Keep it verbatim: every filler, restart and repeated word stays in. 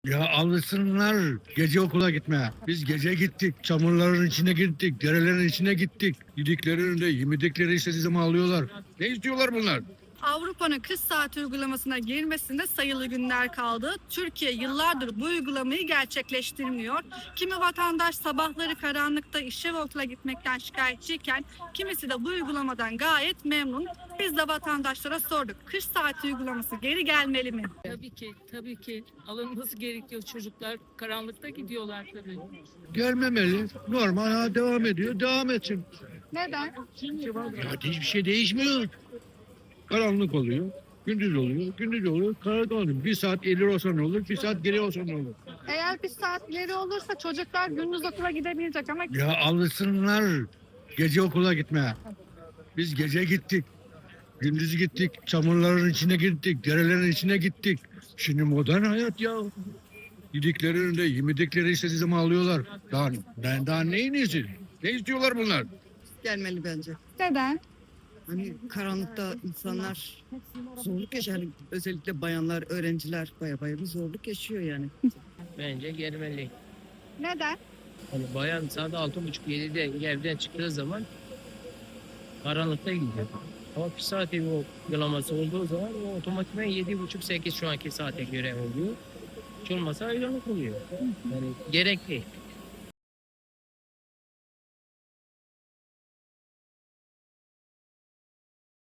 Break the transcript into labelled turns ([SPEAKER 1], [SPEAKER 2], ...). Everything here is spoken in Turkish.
[SPEAKER 1] Ya alışsınlar gece okula gitmeye. Biz gece gittik, çamurların içine gittik, derelerin içine gittik. Yediklerini de yemedikleri istediği zaman alıyorlar. Ne istiyorlar bunlar?
[SPEAKER 2] Avrupa'nın kış saati uygulamasına girmesinde sayılı günler kaldı. Türkiye yıllardır bu uygulamayı gerçekleştirmiyor. Kimi vatandaş sabahları karanlıkta işe ve okula gitmekten şikayetçiyken kimisi de bu uygulamadan gayet memnun. Biz de vatandaşlara sorduk. Kış saati uygulaması geri gelmeli mi?
[SPEAKER 3] Tabii ki, tabii ki alınması gerekiyor. Çocuklar karanlıkta gidiyorlar tabii.
[SPEAKER 1] Gelmemeli. Normal ha devam ediyor. Devam etsin.
[SPEAKER 2] Neden?
[SPEAKER 1] Ya hiçbir şey değişmiyor. Karanlık oluyor. Gündüz oluyor. Gündüz oluyor. Karanlık oluyor. Bir saat ileri olsa ne olur? Bir saat geri olsa ne olur?
[SPEAKER 2] Eğer bir saat ileri olursa çocuklar gündüz okula gidemeyecek ama
[SPEAKER 1] Ya alışsınlar gece okula gitmeye. Biz gece gittik. Gündüz gittik. Çamurların içine gittik. Derelerin içine gittik. Şimdi modern hayat ya. Yediklerini de yemedikleri istediği zaman alıyorlar. Daha, ben daha neyin iyisi? Ne istiyorlar bunlar?
[SPEAKER 4] Gelmeli bence.
[SPEAKER 2] neden?
[SPEAKER 4] Hani karanlıkta insanlar zorluk yaşıyor. Hani özellikle bayanlar, öğrenciler baya baya bir zorluk yaşıyor yani.
[SPEAKER 5] Bence gelmeli.
[SPEAKER 2] Neden?
[SPEAKER 5] Hani bayan saat altı buçuk yedide evden çıktığı zaman karanlıkta gidiyor. Ama bir saati o uygulaması olduğu zaman o otomatikman yedi buçuk sekiz şu anki saate göre oluyor. Hiç olmasa aydınlık oluyor. Yani gerek değil.